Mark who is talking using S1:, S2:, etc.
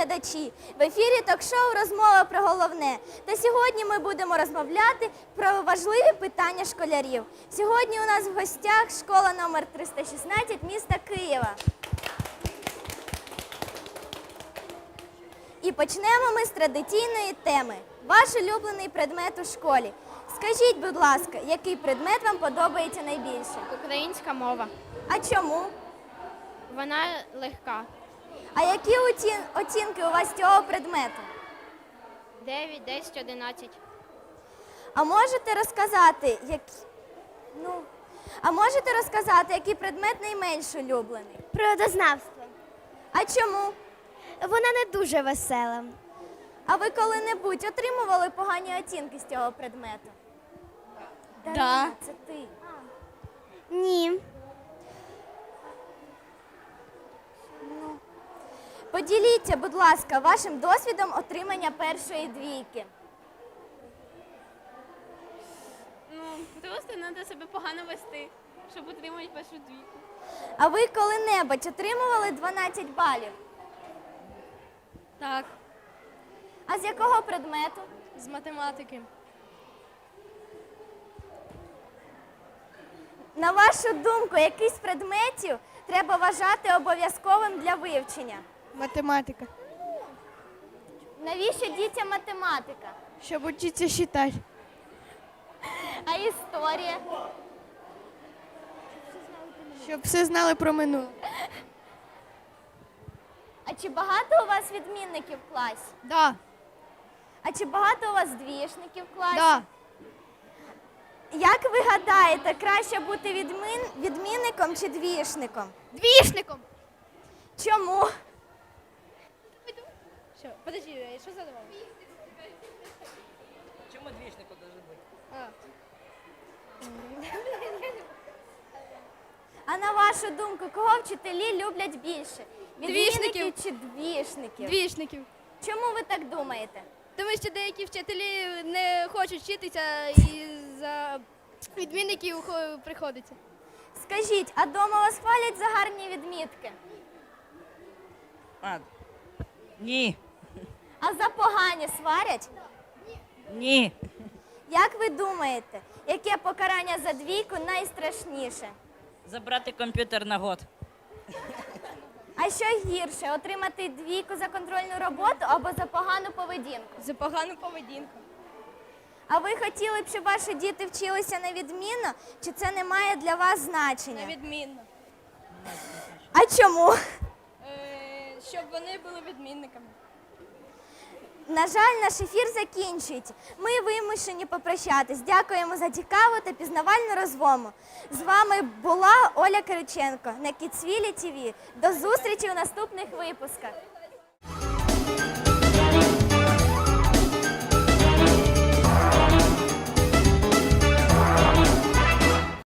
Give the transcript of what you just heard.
S1: глядачі! В ефірі ток-шоу «Розмова про головне». Та сьогодні ми будемо розмовляти про важливі питання школярів. Сьогодні у нас в гостях школа номер 316 міста Києва. І почнемо ми з традиційної теми. Ваш улюблений предмет у школі. Скажіть, будь ласка, який предмет вам подобається найбільше?
S2: Українська мова.
S1: А чому?
S2: Вона легка.
S1: А які оцінки у вас з цього предмету?
S2: 9, 10, 11.
S1: А можете розказати, який предмет найменш улюблений?
S3: Природознавство.
S1: А чому?
S3: Вона не дуже весела.
S1: А ви коли-небудь отримували погані оцінки з цього предмету?
S3: Да.
S1: Дарина, це ти.
S3: Ні.
S1: Поділіться, будь ласка, вашим досвідом отримання першої двійки.
S2: Просто треба себе погано вести, щоб отримати першу двійку.
S1: А ви коли-небудь отримували 12 балів?
S2: Так,
S1: А з якого предмету?
S2: з математики.
S1: На вашу думку, який з предметів треба вважати обов'язковим для вивчення?
S4: Математика.
S1: Навіщо дітям математика?
S4: Щоб учиться считать.
S1: А історія?
S4: Щоб все знали про минуле.
S1: А чи багато у вас відмінників в класі?
S4: Да.
S1: А чи багато у вас двієшників в класі?
S4: Да.
S1: Як ви гадаєте, краще бути відмінником чи двієшником?
S4: Двішником.
S1: Чому?
S2: Що? Подожди, що задавав?
S5: Чому двічнику должен бути?
S1: А на вашу думку, кого вчителі люблять більше? Відмінників чи двієшників?
S2: Двішників.
S1: Чому ви так думаєте?
S2: Тому що деякі вчителі не хочуть вчитися і за відмінників приходиться.
S1: Скажіть, а дома вас хвалять за гарні відмітки?
S5: Ні.
S1: А за погані сварять?
S5: Ні.
S1: Як ви думаєте, яке покарання за двійку найстрашніше?
S5: Забрати комп'ютер на год.
S1: А що гірше, отримати двійку за контрольну роботу або за погану поведінку?
S2: За погану поведінку.
S1: А ви хотіли б, щоб ваші діти вчилися на відмінно, чи це не має для вас значення?
S2: Відмінно.
S1: А чому?
S2: Щоб вони були відмінниками.
S1: На жаль, наш ефір закінчується. Ми вимушені попрощатись. Дякуємо за цікаву та пізнавальну розмову. З вами була Оля Кириченко на Kidsville TV. До зустрічі у наступних випусках.